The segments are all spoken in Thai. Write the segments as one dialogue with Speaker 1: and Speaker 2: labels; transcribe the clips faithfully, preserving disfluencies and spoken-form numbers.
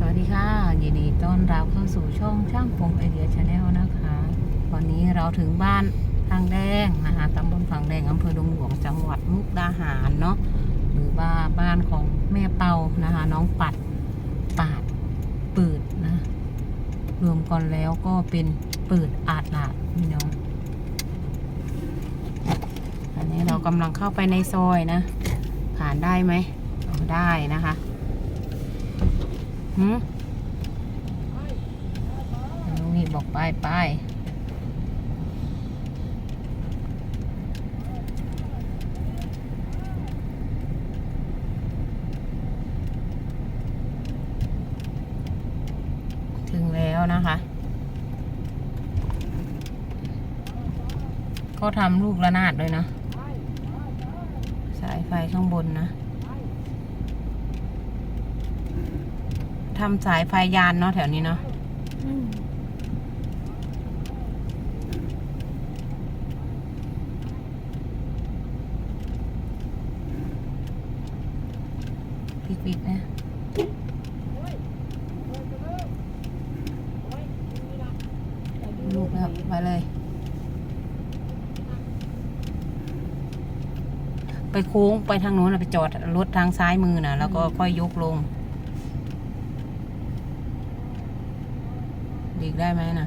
Speaker 1: วัสดีค่ะยินดีต้อนรับเข้าสู่ช่องช่างพงไอเดียชาแนลนะคะวันนี้เราถึงบ้านทางแดงนะคะตำบลฝั่งแดงอำเภอดงหลวงจังหวัดมุกดาหารเนาะหรือว่าบ้านของแม่เปานะคะน้องปัดปาดปืดนะรวมกันแล้วก็เป็นปืดอาดหลาดพี่น้องอันนี้เรากำลังเข้าไปในซอยนะผ่านได้ไหมได้นะคะหืมลุงหิดบอกไปไปถึงแล้วนะคะก็ทำลูกระนาดเลยนะสายไฟข้างบนนะทำสายไฟยานเนาะแถวนี้เนาะปิดๆนะลูกนะครับไปเลยไปโค้งไปทางโน้นไปจอดรถทางซ้ายมือนะแล้วก็ค่อยยกลงดีกได้ไหมนะ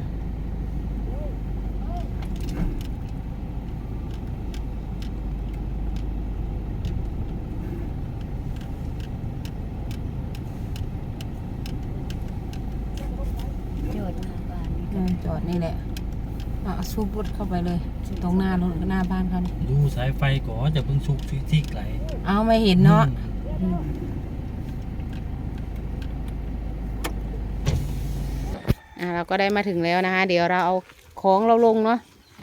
Speaker 1: จอดจอดนี่แหละอ่ะซูบรถเข้าไปเลยตรงหน้ารถหน้าบ้านเขานี่
Speaker 2: ดูสายไฟก่อนจะเพิ่งสุกที่ไกล
Speaker 1: เอาไม่เห็นเนาะอ่ะเราก็ได้มาถึงแล้วนะคะเดี๋ยวเราเอาของเราลงเนาะ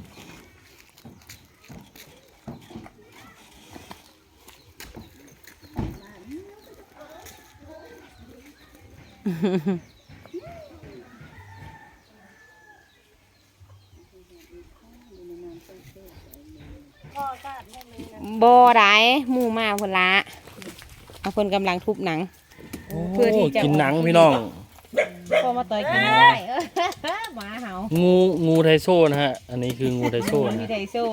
Speaker 1: บ่ได้หมู่มาคนละเอาคนกำลังทุบหนัง
Speaker 2: เพื่อที่จะกินหนังพี่น้อง
Speaker 1: พอมาต่อยกินได้หมาเห่า
Speaker 2: งูงูไทโซ่นะฮะอันนี้คืองูไทโซ่
Speaker 1: นะไทโซ่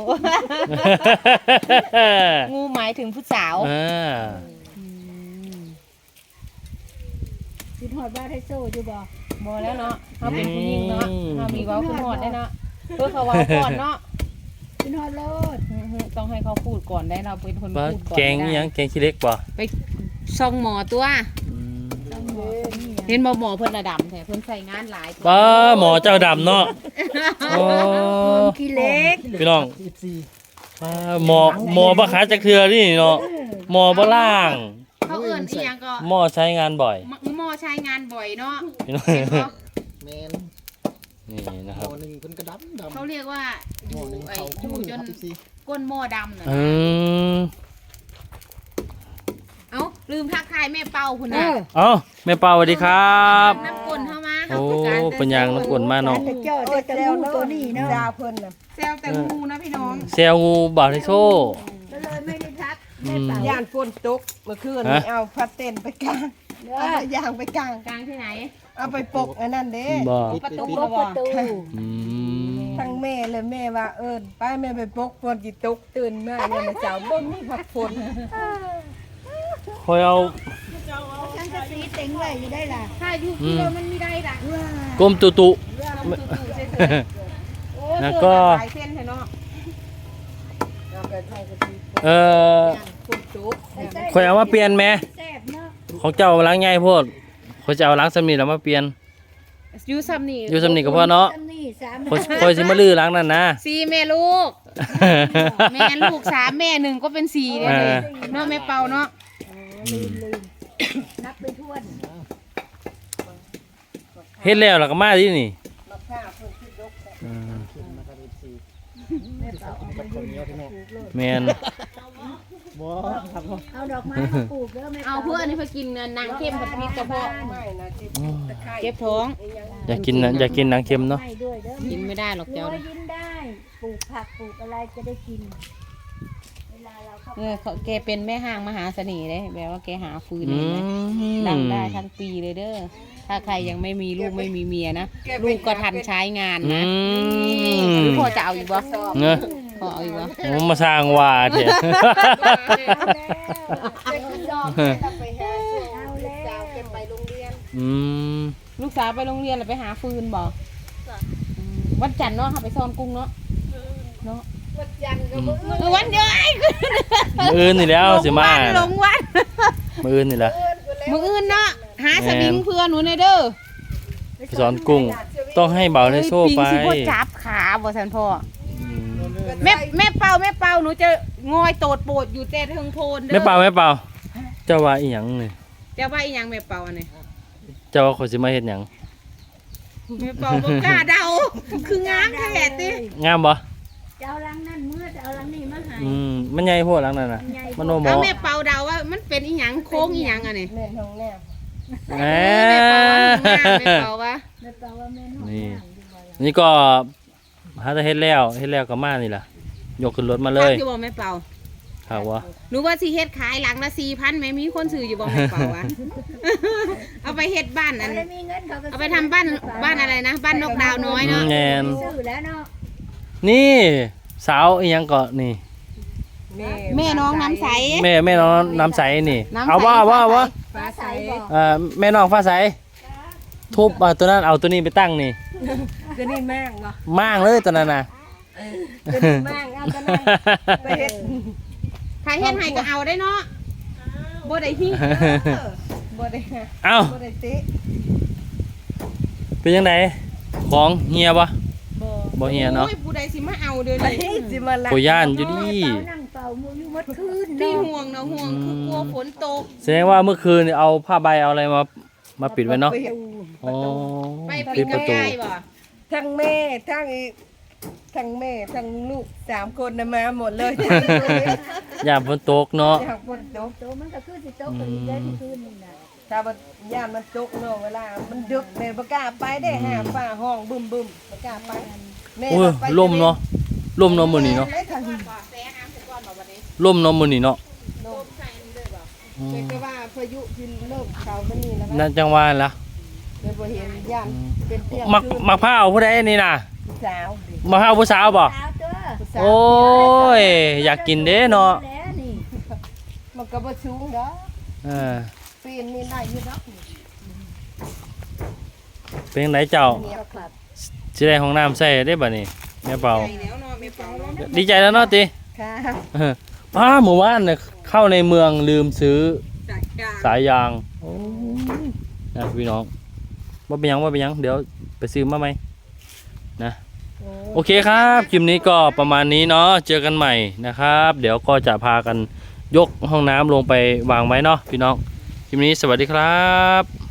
Speaker 1: งูหมายถึงผู้สาว
Speaker 2: อ่า
Speaker 3: กินหอดบ้าไทโซ่อยู่บ่
Speaker 1: บ่แล้วเนาะเขาเป็นผู้หญิงเนาะเขามีเว้าขึ้นหอดได้เนาะเพื่อเขาเว้าก่อนเนาะ
Speaker 3: กินหอดโลด
Speaker 1: ต้องให้เขาพูดก่อนได้เราเป็นคนพูดก่อน
Speaker 2: แกงยังแกงขี้เล็กป่ะ
Speaker 1: ไปช่องหมอตัวเห็นหมอหมอเพิ่นระดับแท้เพิ่นใส่งานหลาย
Speaker 2: ป้าหมอเจ้าดำเนาะ
Speaker 3: ขี้เล็ก
Speaker 2: พี่น้องหมอหมอบ้าขาจักเทือนี่เนาะหมอบ้าล่าง
Speaker 1: เขาเอื่นอีหยังก็
Speaker 2: หมอใช้งานบ่อย
Speaker 1: หมอใช้งานบ่อยเนาะ
Speaker 2: แมนนี่นะครับ
Speaker 3: หนึ่งเพิ่นกระดำดำ
Speaker 1: เขาเรียกว่าอยู่ไอ้อยู่จนก้นหม้อดำน่ะเอ้าลืมทักทายแม่เป่าคุณนะ
Speaker 2: เอ้าแม่เป่าสวัสดีครับ
Speaker 1: น้ำกลนเข้ามา
Speaker 2: โอ้เป็นยังน้ำกลนมาเนาะ
Speaker 3: เจ้าแต่งูตัวนี้เนาะดาวเพิ่นน่ะ
Speaker 1: แซวแต่งูนะพี่น้อง
Speaker 2: แซวงูบาดไทโซ่
Speaker 3: ก็เลยไม่ได้ทัก
Speaker 4: ย่านฝนตกเมื่อคืนนี้เอาพัดเต้นไปกลางเอาย่างไปกลาง
Speaker 1: กลางที่ไหน
Speaker 4: เอาไปปกอันนั้นเด้
Speaker 1: ประตู
Speaker 3: ประตู
Speaker 4: ทั้งแม่เลยแม่ว่าเอิญป้าแม่ไปปกฝนจิตกตื่นมาเนี่ยมาเจ้าบ่มีผักฝน
Speaker 2: คอยเอา
Speaker 3: ฉันจะตีเต็งไว้อยู่ได้ล่ะ
Speaker 1: ถ้าอยู่ที่เรามันไม่ได้ล่ะ
Speaker 2: กลมตุตุแล้วก็เออคอยเอามาเปลี่ยนไหมของเจ้าล้างง่ายพวกเขาจะเอาล้างสำนีแล้วมาเปลี่ยน
Speaker 1: ยูสำนี
Speaker 2: ยูสำนีก็พอเนาะคอยสิมาลื้อล้างนั่นนะ
Speaker 1: สี่แม่ลูกแม่ลูกสามแม่หนึ่งก็เป็นสี่เลยเนาะแม่เป่าเนาะ
Speaker 3: นับไปทวน
Speaker 2: เฮ็ดแล้วแล้วก็มาที่นี่แมน
Speaker 3: เอาดอกไม้มาปลูกแล้วไม่
Speaker 1: เอาเพื่อนนี่เพื่อกินนางเข้มกับพริกกระเพาะเก็บท้อง
Speaker 2: อยากกินอยากกินนางเค็มเนาะ
Speaker 1: กินไม่ได้หรอกเจ้า
Speaker 3: กินได้ปลูกผักปลูกอะไรจะได้กิน
Speaker 1: เออเขาแกเป็นแม่ห้างมหาเสน่ห์เลยแบบว่าแกหาฟืนเลยดังได้ทั้งปีเลยเด้อถ้าใครยังไม่มีลูกไม่มีเมียนะลูกก็ทันใช้งาน
Speaker 2: อื
Speaker 1: นะ
Speaker 2: ม
Speaker 1: หรือพ่อจะเอาอีกบ่
Speaker 2: เนอะ
Speaker 1: พ่อเอาอีกบ่
Speaker 2: ผมมาสร้างว่าเถอะ อืม
Speaker 1: ลูกสาวไปโรงเรียนแล้วไปหาฟืนบ่อืมวันจันทร์เนาะค่ะไปซ่อนกุ้งเนาะเนาะ
Speaker 3: วันจันทร์ก็บ่
Speaker 1: เออวันเดียวไอ้
Speaker 2: มืออื่นนี่แล้วสิมา
Speaker 1: ลงวัน
Speaker 2: มืออื่นนี่แหละ
Speaker 1: มืออื่นเนาะหาสวิงเพื่อนหนูในอยเด้อ
Speaker 2: ไปสอนกุ้ง ต้องให้เบาในโซ่ไป
Speaker 1: ปิงสิบ่จับขาบ่ทันพ่อ
Speaker 2: อืม
Speaker 1: แม่แม่เป่าแม่เป่าหนูจะงอยโตดโปดอยู่แต่เทิงโพนเด้อ
Speaker 2: ไม่เป่าไม่เป่าเจ้าว่าอีหยังนี่
Speaker 1: จะว่าอีหยังแม่เป่าอันนี้
Speaker 2: เจ้าว่าคนสิมาเฮ็ดหยัง
Speaker 1: แม่เป่าบ่กล้าเดาคืองามแท้ติ
Speaker 2: งามบ่
Speaker 3: จะเอาลังนั่นเมื่อจะเอาลังนี้มาให้
Speaker 2: อืมมันใหญ่โพดหลังนั้นน่ะมันโนหมอ
Speaker 1: เอาแม่เป่าเดาว่ามันเป็นอีหยังโค้งอีหยังอันนี้
Speaker 4: แม่นห้องแนบ
Speaker 2: แหม
Speaker 1: แม่เป่าว่างามแม่เป่าว่า
Speaker 3: ไม่เปล่าว่าแม่นห้อง
Speaker 2: นี่
Speaker 3: น้ำดีกว่าล่ะ
Speaker 2: นี่ก็หาแต่เฮ็ดแล้วเฮ็ดแล้วก็มานี่ล่ะยกขึ้นรถมาเลย
Speaker 1: พักอยู่บ่แม่เป่า
Speaker 2: ครับว่า
Speaker 1: หนูว่าสิเฮ็ดขายหลังละสี่พันแม่มีคนซื้ออยู่บ่แม่เป่าวะ เอาไปเฮ็ดบ้านอัน
Speaker 3: ถ้ามีเงินเขาก็
Speaker 1: เอาไปทำบ้านบ้านอะไรนะบ้านนกดาวน้อยเนาะ
Speaker 2: แม่น
Speaker 3: ซื้อแล้วเนาะ
Speaker 2: นี่สาวอีหยังก็นี่
Speaker 4: แม่
Speaker 1: แม่น้องน้ำใส
Speaker 2: แม่แม่น้องน้ำใสนี่
Speaker 1: น้ำใส
Speaker 2: เอาว่าว่าว่า
Speaker 3: ฟ้าใสบอก
Speaker 2: เอ่อแม่น้องฟ้าใสทุบอ่ะตัวนั้นเอาตัวนี้ไปตั้งนี่
Speaker 4: ก็นี่แม่งเนาะ
Speaker 2: ม่างเลยตัวนั้นน่ะ
Speaker 4: ก็นี่แม่งเอาก็นั่งไปเฮ็ด
Speaker 1: ใครเฮ็ดให้ก็เอาได้เนาะบ่ได้หิ้ง
Speaker 4: บ่ได้หา
Speaker 2: เอ้า
Speaker 4: บ่ได้ติ
Speaker 2: เป็นยังไงของเฮียบ่
Speaker 4: บ่
Speaker 2: บ่เฮียเนาะ
Speaker 1: โอ้ยผู้ใดสิมาเอาเด้อ
Speaker 4: ไป
Speaker 1: นี่
Speaker 4: สิมาลัก
Speaker 2: โกย่านอยู่ดิ
Speaker 3: เป่านั่งเป่ามืออยู่หมดคืน
Speaker 1: ที่
Speaker 3: เนาะ
Speaker 1: ห่วงเนาะห่วงคือกลัวฝนตก
Speaker 2: แสดงว่าเมื่อคืนนี่เอาผ้าใบเอาอะไรมามาปิดไว้เนาะ
Speaker 4: ไปฮ็ด
Speaker 2: อ๋อ
Speaker 1: ไป
Speaker 2: ปิ
Speaker 1: ปิ
Speaker 2: ด
Speaker 1: ด
Speaker 2: ประตู
Speaker 1: ง่ายๆบ่
Speaker 4: ทั้งแม่ทั้งอีกทั้งแม่ทั้งลูกสามคนน่ะมาหมดเลย
Speaker 2: อย่าฝนตกเนาะ
Speaker 4: อยากฝนตก
Speaker 3: โตมันก็คือสิโตก็อีกได้ที่คืนนี่น่ะ
Speaker 4: ถ้าบ่ย่านมันตกเนาะเวลามันดึกแม่บ่กล้าไปได้หาฟ้าห้องบึ้มบึ้มบ่กล้าไปแม่
Speaker 2: โอ้ย
Speaker 4: ไป
Speaker 2: ลมเนาะลมเนาะมื้อนี้เนาะ
Speaker 4: ได้ทางนี้
Speaker 1: แซ่น้ำถึงก่อนบ่บัดนี้
Speaker 2: ลมเนาะมื้อนี้เนาะ
Speaker 1: ต้มใส่นี่เลยบ่
Speaker 2: อืม
Speaker 4: แต่ว่าพายุที่เริ่มเข้ามานี่แล้ว
Speaker 2: นั่นจังหว่าล่ะ
Speaker 4: เลยบ่เห็นย่านเป็นเตียง
Speaker 2: มัก
Speaker 4: คืน
Speaker 2: มักผ้าเอาผู้ใดนี่น่ะ
Speaker 4: สาวดิ
Speaker 2: มักผ้าผู้สาวบ่
Speaker 3: สาวเด้อ
Speaker 4: ผู้สาว
Speaker 2: โอ้ยอยากกินเด้เนาะ
Speaker 3: แล้วนี่
Speaker 4: มันก็บ่สูงดอก
Speaker 2: เออ
Speaker 4: ปีนนี่ได้อยู่ดอก
Speaker 2: เป็นจังไดเจ้า
Speaker 4: เงียบครับ
Speaker 2: สิได้ห้องน้ำใส่ได้บัดนี้แม่เป่า
Speaker 1: ใส่แล้วเนาะแม่เป่าเนาะ
Speaker 2: ดีใจแล้วเนาะติ
Speaker 4: ค่ะ
Speaker 2: เออป้าหมู่บ้านเนี่ยเข้าในเมืองลืมซื้อ
Speaker 1: จัดการ
Speaker 2: สายยางโอ้ยนะพี่น้องว่าเป็นหยังว่าเป็นหยังเดี๋ยวไปซื้อมาไหมนะโอเคครับคลิปนี้ก็ประมาณนี้เนาะเจอกันใหม่นะครับ เดี๋ยวก็จะพากันยกห้องน้ำลงไปวางไว้เนาะพี่น้องคลิปนี้สวัสดีครับ